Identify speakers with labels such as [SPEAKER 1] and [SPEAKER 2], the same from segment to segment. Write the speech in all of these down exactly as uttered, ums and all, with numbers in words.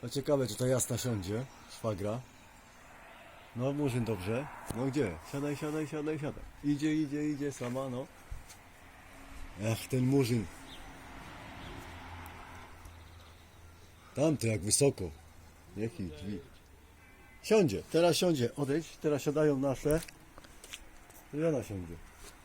[SPEAKER 1] No ciekawe, czy ta jasna siądzie, szwagra. No, Murzyn dobrze. No gdzie? Siadaj, siadaj, siadaj, siadaj. Idzie, idzie, idzie sama, no. Ach, ten Murzyn. Tamty jak wysoko. Niech ich drzwi. Siądzie, teraz siądzie. Odejdź, teraz siadają nasze. I ona siądzie.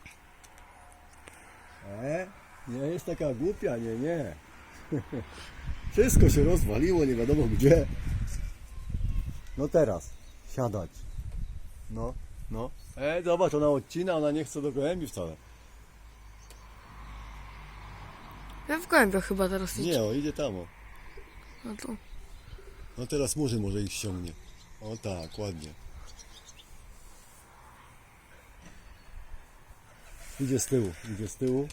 [SPEAKER 1] E? Nie jest taka głupia, nie, nie. Wszystko się rozwaliło, nie wiadomo gdzie. No teraz, siadać. No, no. E, zobacz, ona odcina, ona nie chce do gołębi wcale.
[SPEAKER 2] Ja w gołębiach chyba teraz idzie.
[SPEAKER 1] Nie, o, idzie tam, o.
[SPEAKER 2] No to.
[SPEAKER 1] No teraz Murzyn może ich ściągnie. O tak, ładnie. Idzie z tyłu, idzie z tyłu.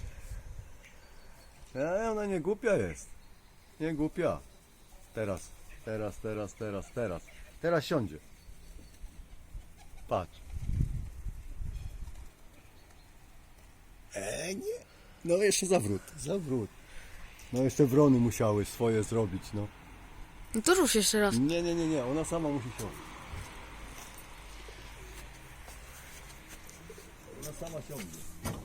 [SPEAKER 1] E, ona nie głupia jest. Nie głupia. Teraz, teraz, teraz, teraz, teraz. Teraz siądzie. Patrz. E, nie. No jeszcze zawrót, zawrót. No jeszcze wrony musiały swoje zrobić, no.
[SPEAKER 2] No to rusz jeszcze raz.
[SPEAKER 1] Nie, nie, nie, nie, ona sama musi siąść. Ona sama siądzie.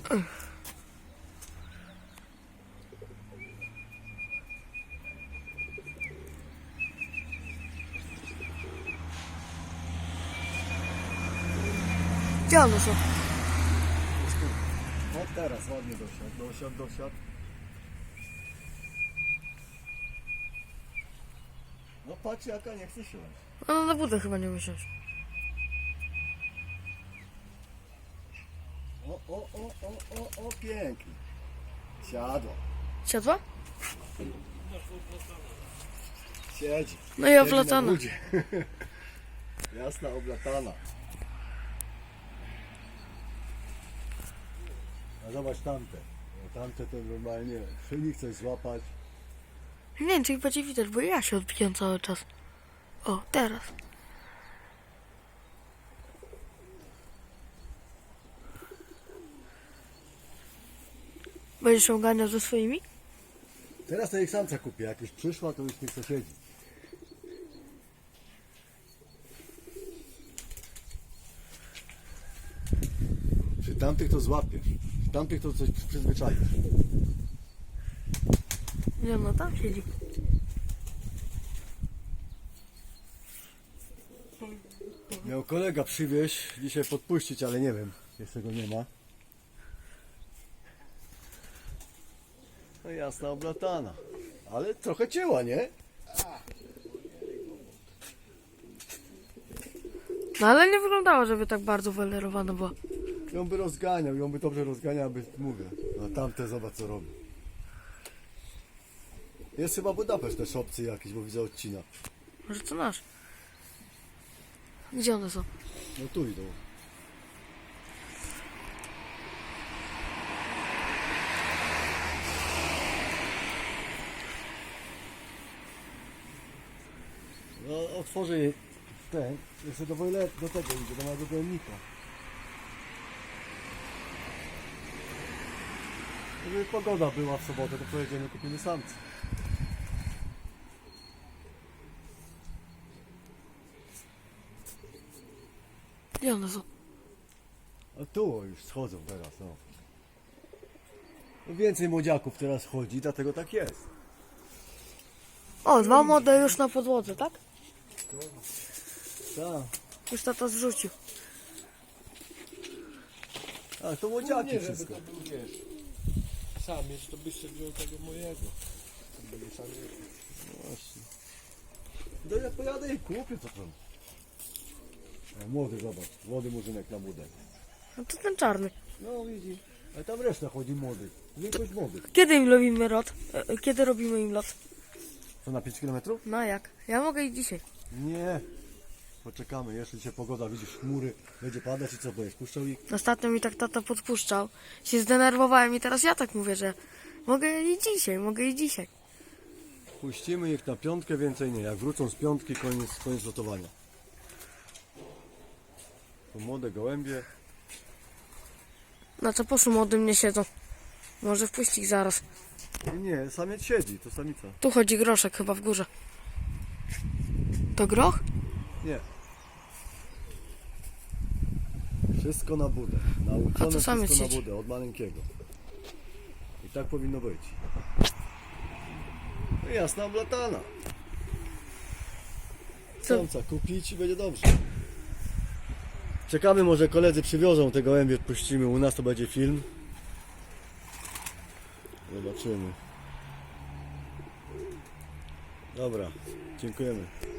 [SPEAKER 2] Gdzie one są?
[SPEAKER 1] O teraz ładnie dosiadł, dosiadł, dosiadł. No patrz jaka nie chce siąść.
[SPEAKER 2] Ona na budę chyba nie usiąść.
[SPEAKER 1] O, o, o, o, o, o, pięknie. Siadła.
[SPEAKER 2] Siadła?
[SPEAKER 1] Siedzi.
[SPEAKER 2] No i
[SPEAKER 1] Siedzi
[SPEAKER 2] oblatana.
[SPEAKER 1] na budzie. Jasna, oblatana. A zobacz tamte. No, tamte to normalnie szyni chce złapać.
[SPEAKER 2] Nie wiem, czy ich będzie widać, bo ja się odbijam cały czas. O, teraz. Będziesz się oganiał ze swoimi?
[SPEAKER 1] Teraz to ich samca kupię. Jak już przyszła, to już nie chce siedzieć. Przy tamtych to złapiesz. Przy tamtych to coś przyzwyczaisz.
[SPEAKER 2] Nie, no tam siedzi.
[SPEAKER 1] Miał kolega przywieźć dzisiaj podpuścić, ale nie wiem. Jeszcze go nie ma. No jasna, oblatana. Ale trochę cięła, nie?
[SPEAKER 2] No ale nie wyglądało, żeby tak bardzo wylerowana była.
[SPEAKER 1] Ją by rozganiał, ją by dobrze rozganiał, aby mówię. A tamte zobacz co robi. Jest chyba Budapeszt też opcji jakieś, bo widzę odcina.
[SPEAKER 2] Może to nasz. Gdzie one są?
[SPEAKER 1] No tu idą. No otworzę jej ten, jeszcze do wojle, do tego idzie, do mojego pojemnika. Gdyby pogoda była w sobotę, to pojedziemy, kupimy samce.
[SPEAKER 2] Gdzie one są?
[SPEAKER 1] A tu o, już schodzą teraz, no. No więcej młodziaków teraz chodzi, dlatego tak jest.
[SPEAKER 2] O, dwa młode już na podłodze, tak?
[SPEAKER 1] Tak.
[SPEAKER 2] Już tata zrzucił.
[SPEAKER 1] A to młodziaki
[SPEAKER 3] Nie, żeby
[SPEAKER 1] wszystko.
[SPEAKER 3] to był, wiesz, samiec, to byś sobie wziął tego mojego. To będzie samiec.
[SPEAKER 1] No właśnie. No ja pojadę i kupię co tam. O, młody zobacz, młody murzynek na budę.
[SPEAKER 2] No to ten czarny.
[SPEAKER 1] No widzi. Ale tam reszta chodzi młodych. Większość młodych.
[SPEAKER 2] Kiedy im robimy lot? E, Kiedy robimy im lot?
[SPEAKER 1] Co na pięć kilometrów?
[SPEAKER 2] No jak? Ja mogę i dzisiaj.
[SPEAKER 1] Nie. Poczekamy, jeszcze dzisiaj pogoda, widzisz chmury, będzie padać i co, będziesz puszczał ich?
[SPEAKER 2] Ostatnio mi tak tata podpuszczał. Się zdenerwowałem i teraz ja tak mówię, że mogę i dzisiaj, mogę i dzisiaj.
[SPEAKER 1] Puścimy ich na piątkę, więcej nie. Jak wrócą z piątki, koniec, koniec lotowania. To młode gołębie.
[SPEAKER 2] Na co poszu młodym nie siedzą. Może wpuść ich zaraz.
[SPEAKER 1] Nie, samiec siedzi, to samica.
[SPEAKER 2] Tu chodzi groszek chyba w górze. To groch?
[SPEAKER 1] Nie. Wszystko na budę.
[SPEAKER 2] A
[SPEAKER 1] Nauczone
[SPEAKER 2] to samiec
[SPEAKER 1] wszystko na
[SPEAKER 2] siedzi.
[SPEAKER 1] budę, od maleńkiego. I tak powinno być. No jasna oblatana.
[SPEAKER 2] Co?
[SPEAKER 1] Samca kupić i będzie dobrze. Czekamy, może koledzy przywiozą te gołębie, puścimy u nas, to będzie film. Zobaczymy. Dobra, dziękujemy.